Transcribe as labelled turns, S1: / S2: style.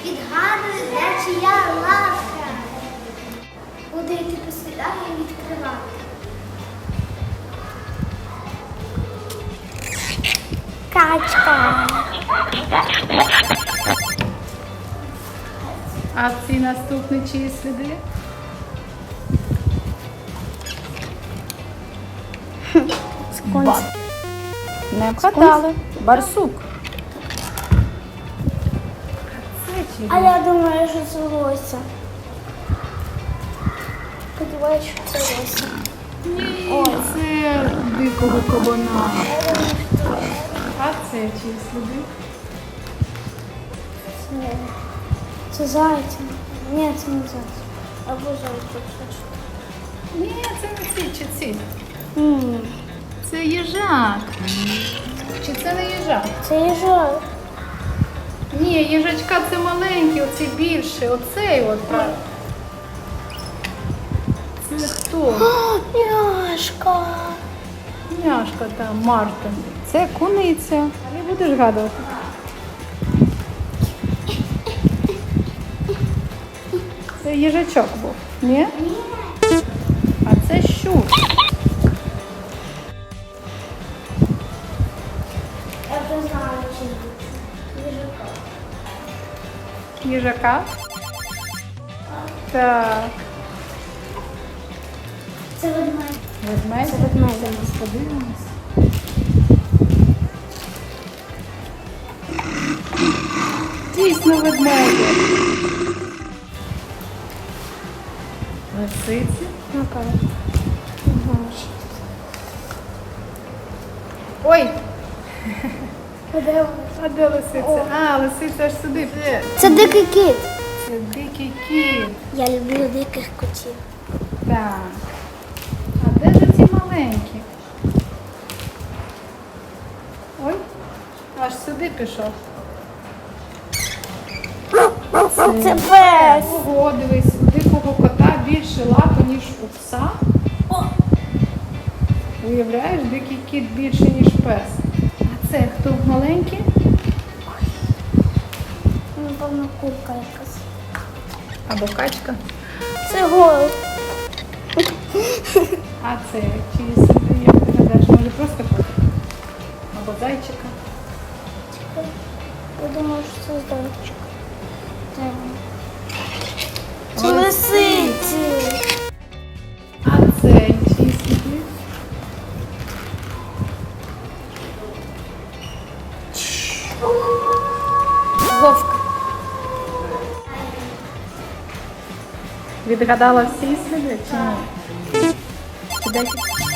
S1: Відгадую, де чия лапка. Буду йти по слідах і відкривати. Качка.
S2: А ці наступні чиї сліди?
S1: Скунс.
S2: Не вгадали. Барсук. Це чиї?
S1: А я думаю, що це лося. Сподіваюся, що це лося.
S2: Ні, це дикого кабана. А це чиї сліди?
S1: Це зайця. Ні, це не зайця. Або зайця.
S2: Ні, це не ці, чи ці.
S1: Ні.
S2: Це їжак. Чи це не їжак?
S1: Це їжак.
S2: Ні, їжачка це маленький, оцей більший, оцей от. Це хто?
S1: Няшка.
S2: Няшка там, Мартин. Це куниця. Не будеш гадувати. Це їжачок був, ні? А це щур.
S1: Я вже знаю, чим їжака.
S2: Їжака? Так.
S1: Це ведмедь.
S2: Ведмедь?
S1: Це ведмедь.
S2: Зараз подивимось. Дійсно ведмеді. Лисиці.
S1: Ну-ка.
S2: Ой,
S1: Де вона?
S2: а де лисиця? А, лисиця аж сюди.
S1: Це дикий кіт.
S2: Це дикий кіт.
S1: Я люблю диких котів.
S2: Так. А де ж ці маленькі? Ой, аж сюди пішов.
S1: Це пес.
S2: Ого, дивись, у дикого кота більше лапи, ніж у пса. Уявляєш, дикий кіт більше, ніж пес. А це хто маленький?
S1: Напевно, курка якась.
S2: Або качка.
S1: Це голуб.
S2: А це чиї сліди, як ти гадаєш, може просто котик? Або зайчика.
S1: Я думаю, що це зайчик. Де він? Це
S2: Ой,
S1: лисиці.
S2: А це чиї сліди?
S1: Вовк.
S2: Відгадала всі сліди чи ні? Чи декілька?